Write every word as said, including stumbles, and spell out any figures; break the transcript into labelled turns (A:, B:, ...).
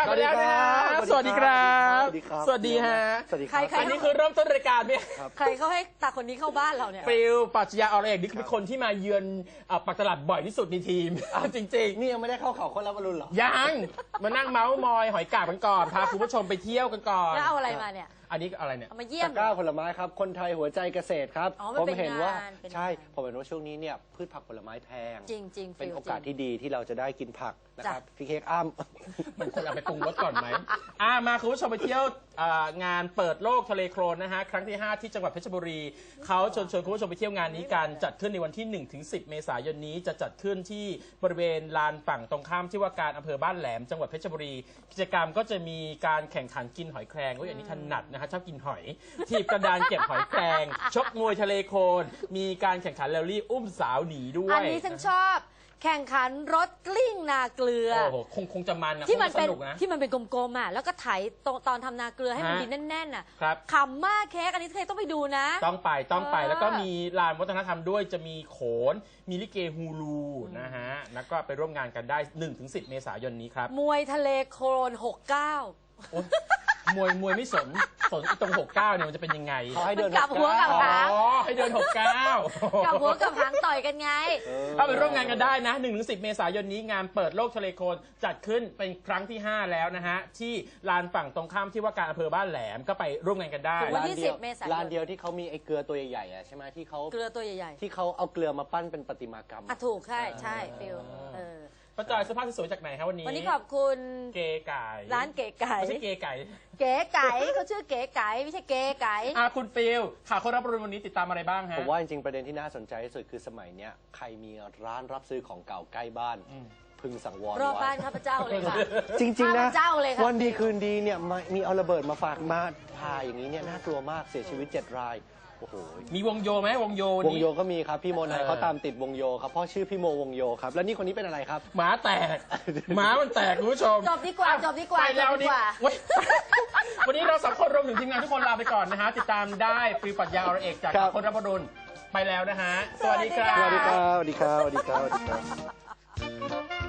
A: ลับมาแล้วนะสวัสดีครับสวัสดีฮะ
B: สวัสดีครับ
A: อันนี้คือเริ่มต้นรายการเนี่ย
C: ใครเขาให้ตาคนนี้เข้าบ้านเราเนี่ย
A: ฟิลปรัชญาอรเอกนี่คือคนที่มาเยือนปักตลาดบ่อยที่สุดในทีมจริง
B: ๆนี่ยังไม่ได้เข้าเขาคนละบอลลูนหรอ
A: ยังมานั่งเมาส์มอยหอยกาบกันก่อนพาคุณผู้ชมไปเที่ยวกันก่อน
C: แล้วเอาอะไรมาเนี่ย
A: อันนี้อะไรเนี่ย
C: มาเยี่ยม
B: ตะกร้าผลไม้ครับคนไทยหัวใจเกษตรครับ
C: ผม
B: เห็นว่าใช่ผมเห็นว่าช่วงนี้เนี่ยพืชผักผลไม้แพง
C: จริงๆ
B: เป็นโอกาสที่ดีที่เราจะได้กินผักนะครับพี่เค้กอ้ำ
A: มันควรเอาไปปรุงรสก่อนไหมอ่ามาคุณผู้ชมไปเที่ยวงานเปิดโลกทะเลโคลนนะฮะครั้งที่ห้าที่จังหวัดเพชรบุรีเขาชวนชวนคุณผู้ชมไปเที่ยวงานนี้กันจัดขึ้นในวันที่หนึ่งถึงสิบเมษายนนี้จะจัดขึ้นที่บริเวณลานฝั่งตรงข้ามที่ว่าการอำเภอบ้านแหลมจังหวัดเพชรบุรีกิจกรรมก็จะมีการแข่งขันกินหอยแครงอันนี้ถนัดนะฮะชอบกินหอยทีบกระดานเก็บหอยแครงชกมวยทะเลโคลนมีการแข่งขันแรลลี่อุ้มสาวหนีด้วย
C: อันนี้ฉันชอบแข่งขันรถกลิ้งนาเกลือ
A: โอ้โหคงคงจะมันนะ
C: ที่มันเป็น
A: นะ
C: ที่มันเป็นกลมๆอ่ะแล้วก็ไถตอนทำนาเกลือให้มันดินแน่นๆอ่ะขำมากเค้กอันนี้เค้กต้องไปดูนะ
A: ต้องไปต้องไปแล้วก็มีลานวัฒนธรรมด้วยจะมีโขนมีลิเกฮูลูนะฮะแล้วก็ไปร่วมงานกันได้ หนึ่งถึงสิบ เมษายนนี้ครับ
C: มวยทะเลโคลนหกสิบเก้าม
A: วยมวยไม่สนสนตรงหกสิบเก้าเนี่ยมันจะเป็นยังไง
B: เขาให้เดิน
C: กับหัวกับหาง
A: อ๋อให้เดินหกสิบเก้า
C: กับหัวกับหางต่อยกันไง
A: ถ้าไปร่วมงานกันได้นะ หนึ่งถึงสิบ เมษายนนี้งานเปิดโลกทะเลโคลนจัดขึ้นเป็นครั้งที่ห้าแล้วนะฮะที่ลานฝั่งตรงข้ามที่ว่าการอำเภอบ้านแหลมก็ไปร่วมงานกันได้
C: วันที่สิบเมษายน
B: ลานเดียวที่เขามีไอ้เกลือตัวใหญ่ๆใช่ไหมที่เขา
C: เกลือตัวใหญ่
B: ๆที่เขาเอาเกลือมาปั้นเป็นประติมากรรม
C: อ่ะถูกใช่ใช่ฟิล
A: ป้าจอยเสื้อผ้าสวยจากไหนครับวันนี้
C: วันนี้ขอบคุณ
A: เก๋ไก่
C: ร้านเก๋ไก่
A: ไม่ใช่เก๋ไก่
C: เก๋ไก่เขาชื่อเก๋ไก่ไม่ใช่เก๋ไก่
A: อ่ะคุณฟิลข่าวคนรับรู้วันนี้ติดตามอะไรบ้างฮะ
B: ผมว่าจริงๆประเด็นที่น่าสนใจที่สุดคือสมัยเนี้ยใครมีร้านรับซื้อของเก่าใกล้บ้านพึงสังวร
C: รอบบ้านข้าพเจ้าเลยค่ะ
B: จริงๆนะวันดีคืนดี
C: เ
B: นี่ยมีเอาระเบิดมาฝากมาพาอย่างนี้เนี่ยน่ากลัวมากเสียชีวิตเจ็ดรายโอ้โห
A: มีวงโยไหมวงโยว
B: งโยก็มีครับพี่โมนายเขาตามติดวงโยครับพ่อชื่อพี่โมวงโยครับแล้วนี่คนนี้เป็นอะไรครับ
A: หมาแตกหมามันแตกคุณผู้ชม
C: จบดีกว่าจบดีกว่า
A: ไปแล้วนี่วันนี้เราสองคนรวมถึงทีมงานทุกคนลาไปก่อนนะฮะติดตามได้ฟิลปรัชญาอรเอกจากคนรับรุณไปแล้วนะฮะสวัสดีครับ
B: สวัสดีครับสวัสดีครับสวัสดีครับสวัสดีครับ